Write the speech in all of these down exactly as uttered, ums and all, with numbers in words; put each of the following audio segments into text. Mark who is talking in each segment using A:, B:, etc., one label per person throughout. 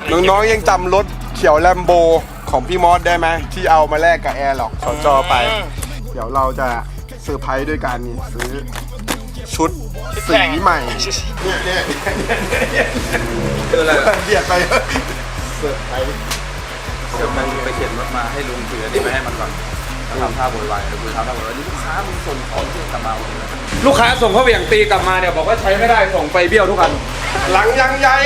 A: น้องๆยังจำรถเขียวแลมโบของพี่มอสได้ไหมที่เอามาแลกกับแอร์หรอกสจไปเดี๋ยวเราจะเซอร์ไพรส์ด้วยการนี่ซื้อชุดสีใหม่เนี่ยเนี่ยคืออะไรเบียดไปเซอร์ไพรส์
B: เดี๋ยวมันไปเข็นรถมาให้ลุงถืออันนี้ไปให้มันก่อนแล้วทำท่าโวยวายเดี๋ยวกูทำท่าโวยวายนี่ลูกค้ามึงส่งของที่กลับมาวันนี้ลูกค้าส่งเขาเหวี่ยงตีกลับมาเนี่ยบอกว่าใช้ไม่ได้ส่งไปเบี้ยวทุกคัน
A: หลังยังใหญ่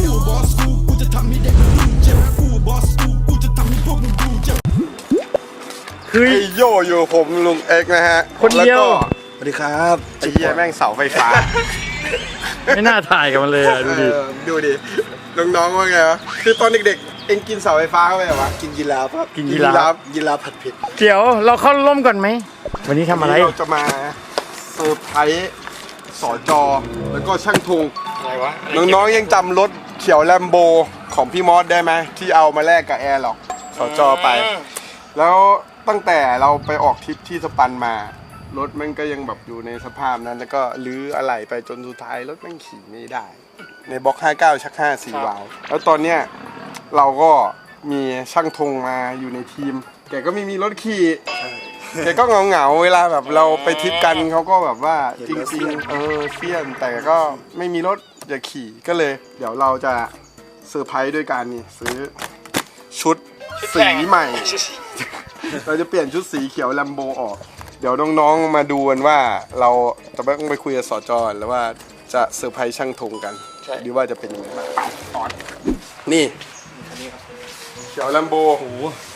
A: คือไอโยอยู่ผมลุงเอกนะฮะคนเดียวสวัสดีครับไอ้เหี้ยแม่งเสาไฟฟ้า
C: ไม่น่าถ่ายกับมันเลยอ่ะดูดิ
A: ดูดิน้องๆว่าไงวะคือตอนเด็กๆเอ็งกินเสาไฟฟ้าเข้าไปเหรอวะกินยีราฟครับ
C: กินยีราฟ
A: ยีราฟผัดเผ็ด
C: เดี๋ยวเราเข้าร่มก่อนไหมวันนี้ทำอะไร
A: เราจะมาเซอร์ไพรส์สจแล้วก็ช่างทุงอะไรวะน้องๆยังจำรถเขียวแลมโบของพี่มอสได้ไหมที่เอามาแลกกับแอร์หรอกสจไปแล้วตั้งแต่เราไปออกทริปที่สปันมารถมันก็ยังแบบอยู่ในสภาพนั้นแล้วก็ลื้ออะไหล่ไปจนสุดท้ายรถมันขี่ไม่ได้ในบล็อกห้าเก้าชักห้าสี่วาล์วแล้วตอนเนี้ยเราก็มีช่างธงมาอยู่ในทีมแกก็ไม่มีรถขี่แกก็เงาเงาเวลาแบบเราไปทริปกันเขาก็แบบว่าจริงๆเออเฟี้ยนแต่ก็ไม่มีรถจะขี่ก็เลยเดี๋ยวเราจะเซอร์ไพรส์ด้วยการนี่ซื้อชุดสีใหม่เราจะเปลี่ยนชุดสีเขียวแลมโบออกเดี๋ยวน้องๆมาดูกันว่าเราจะต้องไปคุยกับสจแล้วว่าจะเซอร์ไพรส์ช่างธงกันหรือว่าจะเป็นยังไงบ้างนี่เขียวแลมโบโอ้โห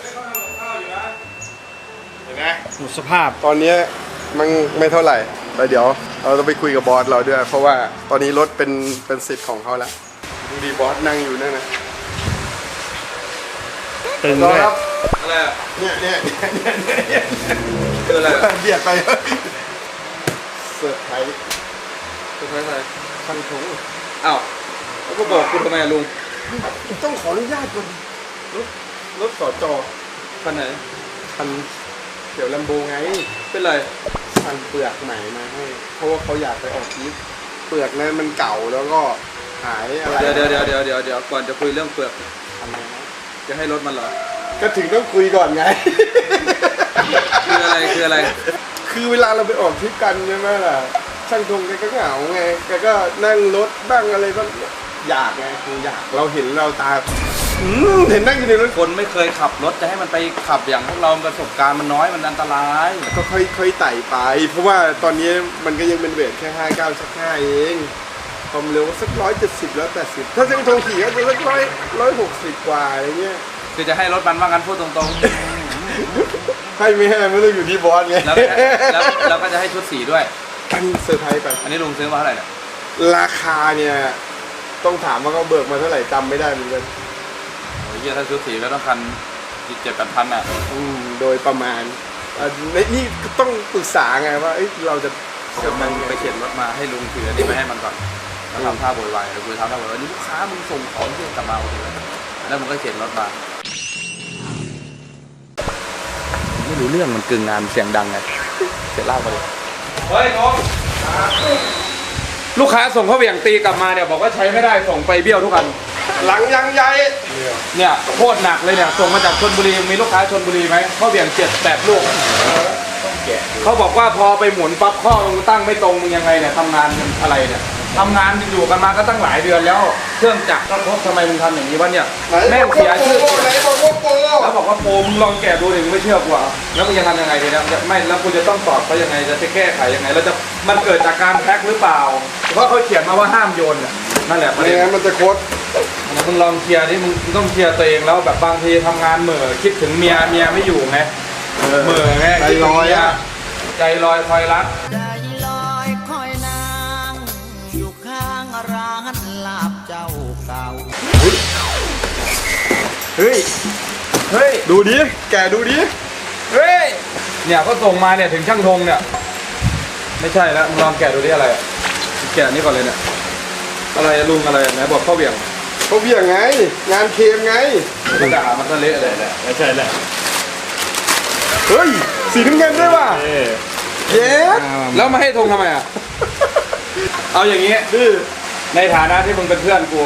A: เห็นไหม
C: หมดสภาพ
A: ตอนนี้มันไม่เท่าไหร่แต่เดี๋ยวเราต้องไปคุยกับบอสเราด้วยเพราะว่าตอนนี้รถเป็นเป็นสิทธิ์ของเขาแล้วดูดีบอสนั่งอยู่นั่นนะ
C: ตึงเลย
B: อะไรอ่ะ
A: เนี่ยเนี่ยเนี่ย
B: คืออะไร
A: เบียดไปเซอร์ไพรส์
B: เซอร์ไพรส์อะไร
A: ช่างธง
B: อ้าวแล้วก็บอกคุณทำไมลุง
A: ต้องขออนุญาตก่อนรถรถสจ
B: คันไหน
A: คันเขียวแลมโบไง
B: เป็นไร
A: สั่งเปลือกใหม่มาให้เพราะว่าเขาอยากไปออกทริปเปลือกนั้นมันเก่าแล้วก็หายอะไร
B: เดี๋ยวเดี๋ยวเดี๋ยวเดี๋ยวเดี๋ยวเดี๋ยวก่อนจะคุยเรื่องเปลือก
A: ทำไมนะ
B: จะให้รถมันเหรอ
A: ก็ถึงต้องคุยก่อนไง
B: คืออะไรคืออะไร
A: คือเวลาเราไปออกทริปกันใช่ไหมล่ะช่างธงแกก็เหงาไงแกก็นั่งรถบ้างอะไรบ้างอยากไงคืออยากเราเห็นเราตาเห็นนั่งอยู่ในรถ
B: คนไม่เคยขับรถจะให้มันไปขับอย่างพวกเราประสบการณ์มันน้อยมันอันตราย
A: ก็ค่อยๆไต่ไปเพราะว่าตอนนี้มันก็ยังเป็นเวทแค่ห้าเก้าชักห้าเองความเร็วสักร้อยเจ็ดสิบแล้วแปดสิบถ้าช่างธงขี่ก็จะสักร้อยร้อยหกสิบกว่าอะไรเงี้ย
B: คือจะให้รถมันว่างั้นพูดตรง
A: ๆให้ไม่ให้ไม่ต้องอยู่ที่บอสไง
B: แล้วแล้วก็จะให้ชุดสีด้วย
A: อันเซอร์ไพรส์ไป
B: อันนี้ลุงซื้อมาเท่าไหร่เนี่ย
A: ราคาเนี่ยต้องถามว่าเขาเบิกมาเท่าไหร่จำไม่ได้เหมือนกัน
B: โอ้ยถ้าชุดสีก็ต้องคันเจ็ดแปดพันอ่ะ
A: อืมโดยประมาณนี่ต้องปรึกษาไงว่าเราจะ
B: เดี๋ยวมันไปเข็นรถมาให้ลุงถืออันนี้ไปให้มันก่อนแล้วทำท่าโวยวายเดี๋ยวกูทำท่าโวยวายนี่ลูกค้ามึงส่งของที่กลับมาวันนี้แล้วมันก็เข็นรถมาไม่รู้เรื่องมันกึ่งงานเสียงดังไงเสียเล่าไปเลยเฮ้ยน้องลูกค้าส่งเขาเหวี่ยงตีกลับมาเนี่ยบอกว่าใช้ไม่ได้ส่งไปเบี้ยวทุกคัน
A: หลังยังใหญ่
B: เนี่ยโคตรหนักเลยเนี่ยส่งมาจากชลบุรีมีลูกค้าชลบุรีไหมเขาเหวี่ยงเจ็ดแปดลูกเขาบอกว่าพอไปหมุนปั๊บข้อมึงตั้งไม่ตรงมึงยังไงเนี่ยทำงานอะไรเนี่ยทำงานอยู่กันมาก็ตั้งหลายเดือนแล้วเครื่องจักรก็พบทำไมมึงทำอย่างนี้วะเนี่ยแม่งเสียชื่อแล้วบอกว่าโปมึงลองแกะดูดิมึงไม่เชื่อกูอ่ะแล้วมึงจะทำยังไงดีนะไม่แล้วกูจะต้องตอบเขายังไงจะไปแก้ไขยังไงแล้วจะมันเกิดจากการแพ็คหรือเปล่าเพราะเขาเขียนมาว่าห้ามโยนเนี่ยนั่นแหละ
A: ไม่งั้นมันจะโคตร
B: มึงลองเคลียร์ที่มึงต้องเคลียร์ตัวเองแล้วแบบบางทีทำงานเหม่อคิดถึงเมียเมียไม่อยู่ไงเหม่อไง
A: ใจลอยอ่ะ
B: ใจลอยคอยรัก
D: ใจลอยคอยนางอยู่ข้างร้านลาบเจ้าเก่า
A: เฮ้ยเฮ้ยดูดิแกดูดิ
B: เฮ้ยเนี่ยก็ส่งมาเนี่ยถึงช่างธงเนี่ยไม่ใช่แล้วมึงลองแกะดูดิอะไรแกะนี่ก่อนเลยเนี่ยอะไรลุงอะไรไหนบอกข้าวเบี่ยง
A: ข้าวเบี่ยงไงงานเคมไง
B: กระดาษมันก็เละเลยแหละ
C: ไม่ใช่แหละ
A: เฮ้ยสีน้ำเงินด้วยว่ะเย้
B: แล้วมาให้ธงทำไมอ่ะเอาอย่างงี้ในฐานะที่มึงเป็นเพื่อนกู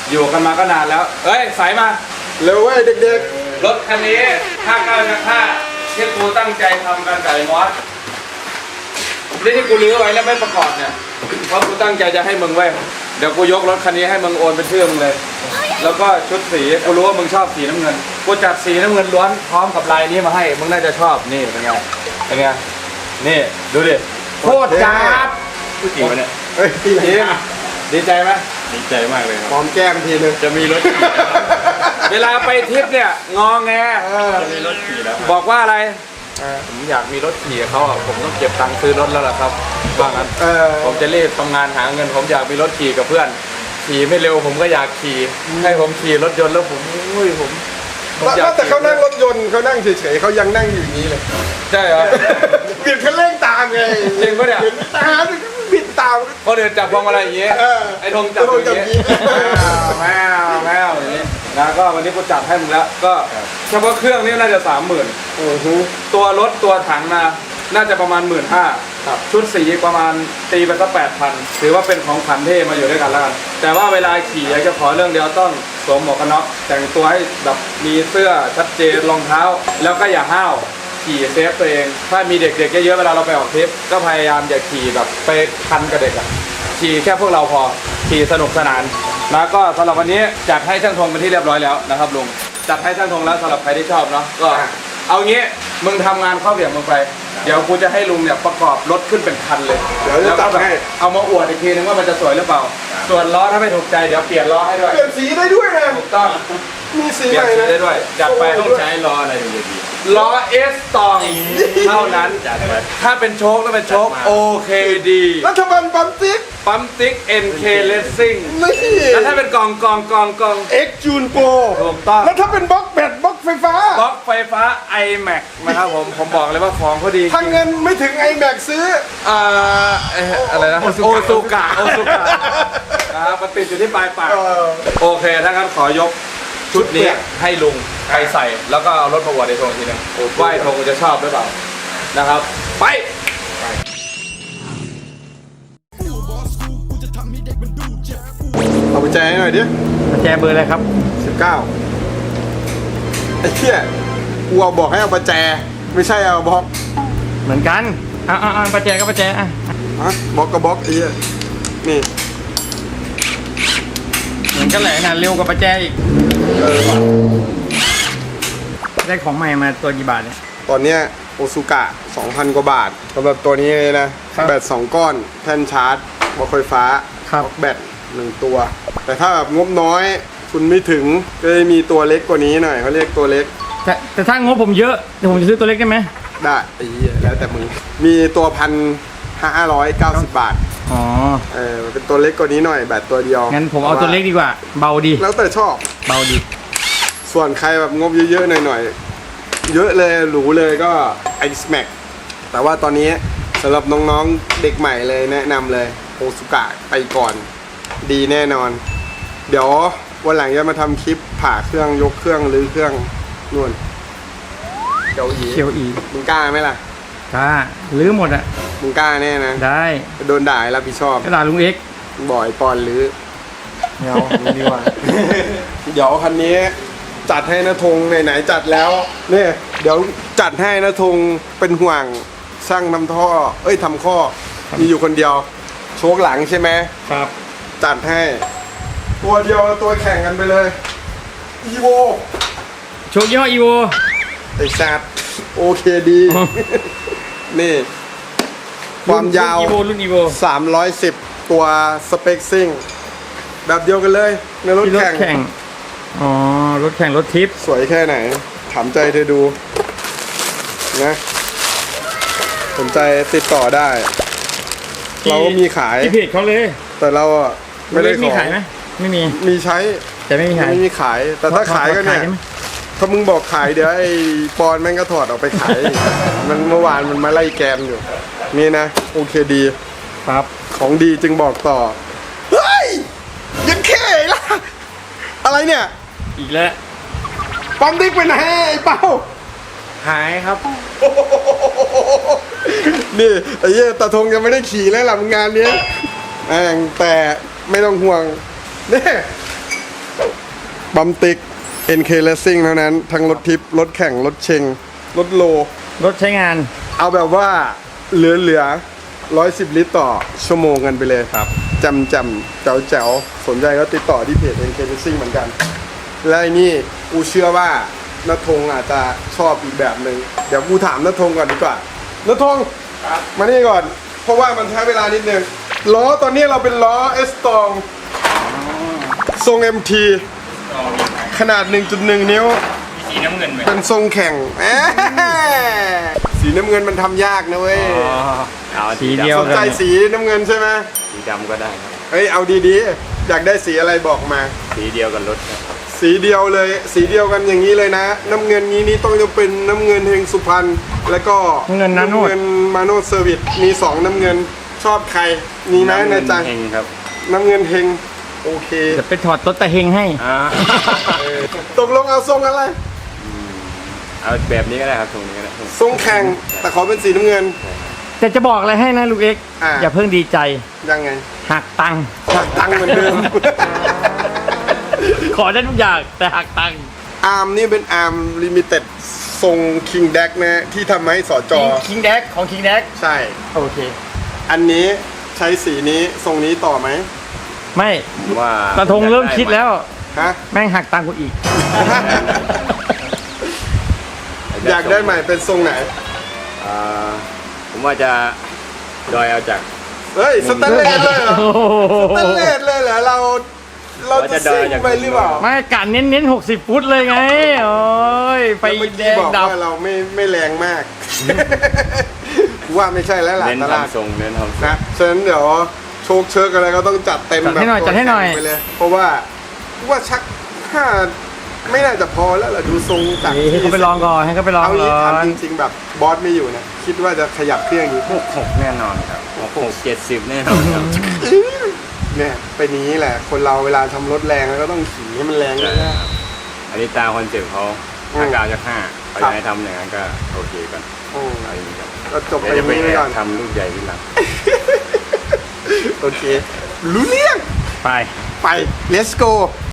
B: อยู่กันมาก็นานแล้ว เอ้ยสายมา
A: เร็วเว้ยเด็ก
B: รถคันนี้ห้าเก้าจากห้าที่กูตั้งใจทำกันไก่มอสนี่ที่กูรื้อไว้แล้วไม่ประกอบเนี่ยเพราะกูตั้งใจจะให้มึงไว้เดี๋ยวกูยกรถคันนี้ให้มึงโอนเป็นชื่อมึงเลย แล้วก็ชุดสีกูรู้ว่ามึงชอบสีน้ำเงินกูจัดสีน้ำเงินล้วนพร้อมกับลายนี้มาให้มึงน่าจะชอบนี่เป็นไงเป็นไงนี่ดูดิโคตรจ้าบ
C: ผู้หญิงเนี่ย
A: ๆเฮ้ยพี่
B: จริงดีใจไหม
C: ดีใจมากเลยครับ
A: หอมแก้มทีนึง
C: จะมีรถขี่
B: เวลาไปทริปเนี่ยงอแง
A: เออ
C: จะมีรถขี่แล้ว
B: บอกว่าอะไรผมอยากมีรถขี่กับเขาอ่ะผมต้องเก็บตังค์ซื้อรถแล้วล่ะครับว่างั้น
A: เออ
B: ผมจะรีบทำงานหาเงิน ผมอยากมีรถขี่กับเพื่อน ขี่ไม่เร็วผมก็อยากขี่ให้ผมขี่รถยนต์แล้วผมอุ้ยผมผมอยาก
A: แต่เขานั่งรถยนต์เขานั่งเฉยๆเขายังนั่งอยู่อย่างนี้เลย
B: ใช่เหรอ
A: บิดคันเร่งตามไง
B: จริงปะเนี่ย
A: บิดตามบิดตาม
B: ก็เดินจับพวงมาลัยอย่างเงี้ย
A: เออ
B: ไอ้ธงจับอย่างเงี้ยแมวแมวอย่างเงี้ยนะก็วันนี้กูจัดให้มึงแล้วก็เฉพาะเครื่องนี่น่าจะสามหมื่น
A: โอ้โห
B: ตัวรถตัวถังนะน่าจะประมาณหมื่นห้าชุดสีประมาณตีไปสักแปดพันถือว่าเป็นของขวัญที่มาอยู่ด้วยกันแล้วกันแต่ว่าเวลาขี่อยากจะขอเรื่องเดียวต้องสวมหมวกกันน็อกแต่งตัวให้แบบมีเสื้อชัดเจนรองเท้า แล้วก็อย่าห้าวขี่เซฟตัวเอง ถ้ามีเด็กๆเยอะๆเวลาเราไปออกทริปก็พยายามอย่าขี่แบบไปพันกับเด็กอะขี่แค่พวกเราพอขี่สนุกสนานแล้วก็สำหรับวันนี้จัดให้ช่างธงเป็นที่เรียบร้อยแล้วนะครับลุงจัดให้ช่างธงแล้วสำหรับใครที่ชอบเนาะก็เอางี้มึงทำงานเข้าเบี่ยงมึงไปเดี๋ยวกูจะให้ลุงเนี่ยประกอบรถขึ้นเป็นคันเลย
A: เดี๋ยวจะจัดให้
B: เอามาอวดอีกทีนึงว่ามันจะสวยหรือเปล่า ส่วนล้อถ้าไม่ถูกใจเดี๋ยวเปลี่ยนล้อให้ด้วย
A: เปลี่ยนสีได้ด้วยนะ
B: ถูกต้อง
A: มีสี
B: เปลี่
A: ให
B: ยน
A: ม่
B: สี
A: นะ
B: ได้ด้วยจัดไป
C: ต้องใช้ล้ออะไรถึงจะดี
B: ล้อเอสตองเท่านั้น
C: จัดไป
B: ถ้าเป็นโชคต้องเป็นโชค
C: จัดมา
B: โอเคดี
A: รัฐบาลปั๊มติ๊ก
B: ปั๊มติ๊ก เอ็น เค Racing
A: นี่
B: แล้วถ้าเป็นกองกองกองกอง
A: เอ็กจูนโปร
B: ถูกต้อง
A: แล้วถ้าเป็นบล็อกแบตบล็อกไฟฟ้า
B: บล็อกไฟฟ้า ไอแม็ก นะครับผมผมบอกเลยว่าของเขาดีจ
A: ถ้า
B: ริง
A: เงินไม่ถึงไอแม็กซื้อ
B: อ่าเอ่ออะไรนะ โอซูกะโอซูกะนะครับมันติดอยู่ที่ปลายปาก
A: เออ
B: โอเค ถ้างั้นขอยกชุดนี้ให้ลุงไปใส่ แล้วก็เอารถมาอวดในธงอีกทีหนึงว่าไอ้ธงจะชอบหรือเปล่านะครับ ไป
A: เอาไปแจให้หน่อยดิ
C: กุญแจเบอร์อะไรครับ
A: สิบเก้าไอ้เหี้ยกูเอาบอกให้เอาประแจ ไม่ใช่เอาบล็อก
C: เหมือนกันอ่าอ่าประแจก็ประแจอ่ะ
A: ฮะบล็อกกับบล็อกไอ้เหี้ยนี่
C: เหมือนกันแหละนะเร็วกว่าประแจอีก
A: เออว่ะ
C: ได้ของใหม่มาตัวกี่บาทเนี่ย
A: ตอนเนี้ยโอซูกะ สองพัน กว่าบาทสำหรับตัวนี้เลยนะ
C: ครับ
A: แบตสองก้อน แท่นชาร์จบล็อกไฟฟ้า
C: ครับ
A: บล็อกแบตหนึ่งตัว แต่ถ้าแบบงบน้อย คุณไม่ถึง ก็จะมีตัวเล็กกว่านี้หน่อยเขาเรียกตัวเล็ก
C: แต่แต่ถ้างบผมเยอะเดี๋ยวผมจะซื้อตัวเล็กได้ไหม
A: ได้ไอ้เหี้ยแล้วแต่มึง มีตัวพันห้าร้อยเก้าสิบบาท
C: อ๋อ
A: เออมันเป็นตัวเล็กกว่านี้หน่อย แบตตัวเดียว
C: งั้นผมเอาตัวเล็กดีกว่า เบาดี
A: แล้วแต่ชอบ
C: เบาดี
A: ส่วนใครแบบงบเยอะๆหน่อยๆ เยอะเลยหรูเลยก็ X Max แต่ว่าตอนนี้สำหรับน้องๆเด็กใหม่เลยแนะนำเลยโอซูกะไปก่อน ดีแน่นอน เดี๋ยววันหลังจะมาทำคลิปผ่าเครื่องยกเครื่องรื้อเครื่องนู่นเดี๋ยวอี
C: เคียวอี
A: มึงกล้าไหมล่ะ
C: กล้าลื้อหมดอะ
A: มึงกล้าแน่นะ
C: ได้
A: โดนด่าให้รับผิดชอบ
C: กระดาษลุงเอ็กซ์
A: บ่อยปอนรื้อ
C: เดี๋ยวนี่ดีกว่า
A: เดี๋ยวคันนี้จัดให้นะธงไหนๆจัดแล้วเนี่ยเดี๋ยวจัดให้นะธงเป็นห่วงช่างทำท่อ เอ้ยทำข้อ มีอยู่คนเดียว โชคหลังใช่ไหม
C: ครับ
A: จัดให้ ตัวเดียวตัวแข่งกันไปเลยอีโว
C: โชคยี่ห้ออีโว
A: ไอ้สัตว์โอเคดี นี่ ความยาว
C: อีโวรุ่นอีโว
A: สามร้อยสิบ ตัวสเปคซิ่ง แบบเดียวกันเลยในรถ
C: ที่รถ
A: แข่ง
C: แข่ง อ๋อ รถแข่งรถทิป
A: สวยแค่ไหน ถามใจเธอดู นะ สนใจติดต่อได้ เราก็มีขาย
C: ที่เพจเขาเลย
A: แต่เราอ่ะไม่ได้
C: มี
A: ขอ
C: ขายไหมไม่มี
A: มีใช้
C: แต่ไม่มีขาย
A: ไม่มีขาย แต่ถ้าขายก็เนี่ย
C: ใช่ไหม
A: ถ้ามึงบอกขายเดี๋ยวไอ้ปอนแม่งก็ถอดออกไปขาย มันเมื่อวานมันมาไล่แกมอยู่ นี่นะ โอเคดี
C: ครับ
A: ของดีจึงบอกต่อ เฮ้ย ยังแค่ล่ะ อะไรเนี่ย
C: อีกแล้ว
A: ปั๊มติ๊กไปไหนไอ้เป้า
C: หายครับ
A: นี่ไอ้เหี้ยตาทงยังไม่ได้ขี่เลยหลังงานเนี้ยแม่งแต่ไม่ต้องห่วงนี่บัมติก เอ็น เค Racing เท่านั้น ทั้งรถทิป รถแข่ง รถเชง รถโล
C: รถใช้งาน
A: เอาแบบว่าเหลือเหลือร้อยสิบลิตรต่อชั่วโมงกันไปเลย
B: ครับ
A: จำจำแจ๋วแจ๋วสนใจก็ติดต่อที่เพจ เอ็น เค Racing เหมือนกัน และไอ้นี่กูเชื่อว่านัทธงอาจจะชอบอีกแบบหนึ่งเดี๋ยวกูถามนัทธงก่อนดีกว่านัทธงมานี่ก่อน เพราะว่ามันใช้เวลานิดนึงล้อตอนนี้เราเป็นล้อเอสตองทรง เอ็ม ที ขนาด หนึ่งจุดหนึ่ง นิ้ว
C: สีน้ำเงินไหม
A: เป็นทรงแข่งแหมสีน้ำเงินมันทำยากนะเว้ย
B: เอา
C: สีเดียว
A: สนใจสีน้ำเงินใช่ไหม
B: สีดำก็ได้ครับ
A: เฮ้ยเอาดีๆ อยากได้สีอะไรบอกมา
B: สีเดียวกับรถครับ
A: สีเดียวเลย สีเดียวกันอย่างนี้เลยนะ น้ำเงินนี้นี่ต้องจะเป็นน้ำเงินเฮงสุพรรณแล้วก็
C: น้ำเงินนาโนด
A: เงินมาโนดเซอร์วิสมีสองน้ำเงินชอบใครมีไหมในใจ
B: เฮงครับ
A: น้ำเงินเฮงโอเค
C: จะไปถอดรถตะเฮงให้
B: อ่า
A: ตกลงเอาทรงอะไร
B: เอาแบบนี้ก็ได้ครับตรงนี้ก็ได้
A: ทรงแข่งแต่ขอเป็นสีน้ำเงิน
C: แต่จะบอกอะไรให้นะลูกเอ็กซ์
A: อ่า
C: อย่าเพิ่งดีใจ
A: ยังไง
C: หักตังค์
A: หักตังค์เหมือนเดิม
C: ขอได้ทุกอย่างแต่หักตังค์
A: อาร์มนี่เป็นอาร์มลิมิเต็ดทรงคิงแดกนะที่ทำให้สอจอ
C: คิงแดกของคิงแดก
A: ใช่
C: โอเค
A: อันนี้ใช้สีนี้ทรงนี้ต่อไหม
C: ไม่
B: ว่า
C: ตะทงเริ่มคิดแล้ว
A: ฮะ
C: แม่งหักตังค์กูอีก
A: อยากได้ใหม่เป็นทรงไหน
B: อ่าผมว่าจะดอยเอาจาก
A: เฮ้ยสแตนเลสเลยเหรอ
C: โอ้โห
A: สแตนเลสเลยเหรอเราเราจะซิ่งไปหรือเปล่า
C: ไม่กะเน้นเน้นหกสิบฟุตเลยไง โอ้ยไฟ
A: แล้วเมื่อ
C: แด
A: กี้
C: ง
A: บอก
C: ดับ
A: ว่าเราไม่ไม่แรงมาก กูว่าไม่ใช่แล้วล่ะ
B: เน้น
A: ตลาด
B: ทำทรงเน้นทำทรง
A: นะฉะนั้นเดี๋ยวโชคเชิกอะไรก็ต้องจัดเต็ม
C: จัด
A: แบบ
C: ให้หน่อยจัดให้หน่อย
A: ไปเลย เพราะว่าว่าชักถ้าไม่น่าจะพอแล้วล่ะดูทรงจาก
C: ให้
A: ที่
C: เขาไปลองก่อนให้เขาไปลอง
A: เอา
C: ก่
A: งี้
C: อ
A: ถาม
C: น
A: จริงๆแบบบอสไม่อยู่เนี่ยคิดว่าจะขยับเครื่องอยู่
B: หกหกแน่นอนครับหกหกเจ็ดสิบแน่นอนครับ
A: เนี่ยเป็นอย่างนี้แหละ คนเราเวลาทำรถแรงแล้วก็ต้องขี่ให้มันแรง
B: ใช่
A: ด้วย
B: ครับอันนี้ตามคอนเซ็ปต์เขาถ้าเก้าจากห้าเขาจะให้ทำอย่างนั้นก็โอเคก่อน
A: อืม
B: เอาอย่างนี้ครับ
A: ก็จบไป
B: เดี๋ยวจะไป
A: นี้
B: แอ
A: ไปก่อบ น
B: ทำลูกใหญ่ขึ้นหลัง
A: โอเค รู้เรื่อง
C: ไป
A: ไป let's go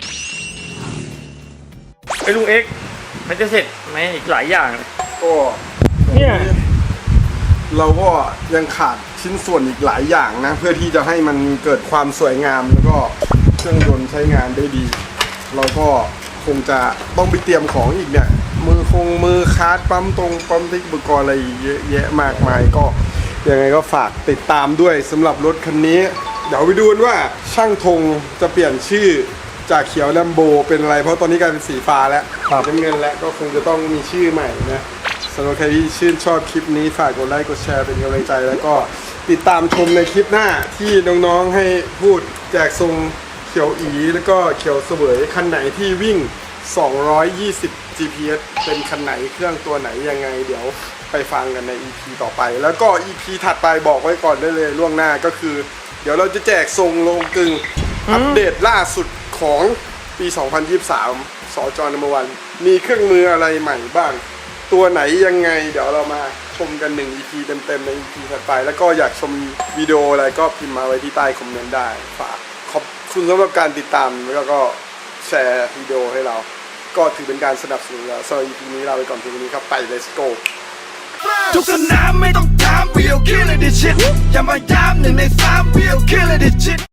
C: ไอ้ลุงเอ็กซ์มันจะเสร็จไหมอีกหลายอย่าง
A: ก็
C: เนี่ย
A: เราก็ยังขาดชิ้นส่วนอีกหลายอย่างนะ เพื่อที่จะให้มันเกิดความสวยงามแล้วก็เครื่องยนต์ใช้งานได้ดี เราก็คงจะต้องไปเตรียมของอีกเนี่ย มือคงมือคาร์ดปั๊มตรงปั๊มติ๊กอุปกรณ์อะไรเยอะแยะมากมายก็ยังไงก็ฝากติดตามด้วยสำหรับรถคันนี้ เดี๋ยวไปดูกันว่าช่างธงจะเปลี่ยนชื่อจากเขียวแลมโบเป็นอะไรเพราะตอนนี้กลายเป็นสีฟ้าแล้วน้ำเงินแล้วก็คงจะต้องมีชื่อใหม่นะสำหรับใครที่ชื่นชอบคลิปนี้ฝากกดไลค์กดแชร์เป็นกำลังใจแล้วก็ติดตามชมในคลิปหน้าที่น้องๆให้พูดแจกทรงเขียวอีแล้วก็เขียวเสวยคันไหนที่วิ่งสองร้อยยี่สิบ จี พี เอส เป็นคันไหนเครื่องตัวไหนยังไงเดี๋ยวไปฟังกันใน อี พี ต่อไป แล้วก็ อี พี ถัดไปบอกไว้ก่อนได้เลยล่วงหน้าก็คือ เดี๋ยวเราจะแจกทรงโลงกึ่งอัปเดตล่าสุดของปี สองพันยี่สิบสาม สจนัมเบอร์วันมีเครื่องมืออะไรใหม่บ้าง ตัวไหนยังไง เดี๋ยวเรามาชมกันหนึ่ง อี พี เต็มๆใน อี พี ถัดไป แล้วก็อยากชมวิดีโออะไรก็พิมพ์มาไว้ที่ใต้คอมเมนต์ได้ฝากขอบคุณสำหรับการติดตามแล้วก็แชร์วิดีโอให้เรา ก็ถือเป็นการสนับสนุนแล้วสำหรับ อี พี นี้ลาไปก่อนเพียงเท่านี้ครับไป let's go
E: ทุกสนามไม่ต้องถาม we'll kill it this shit อย่ามาย้ำหนึ่งในสาม we'll kill it this shit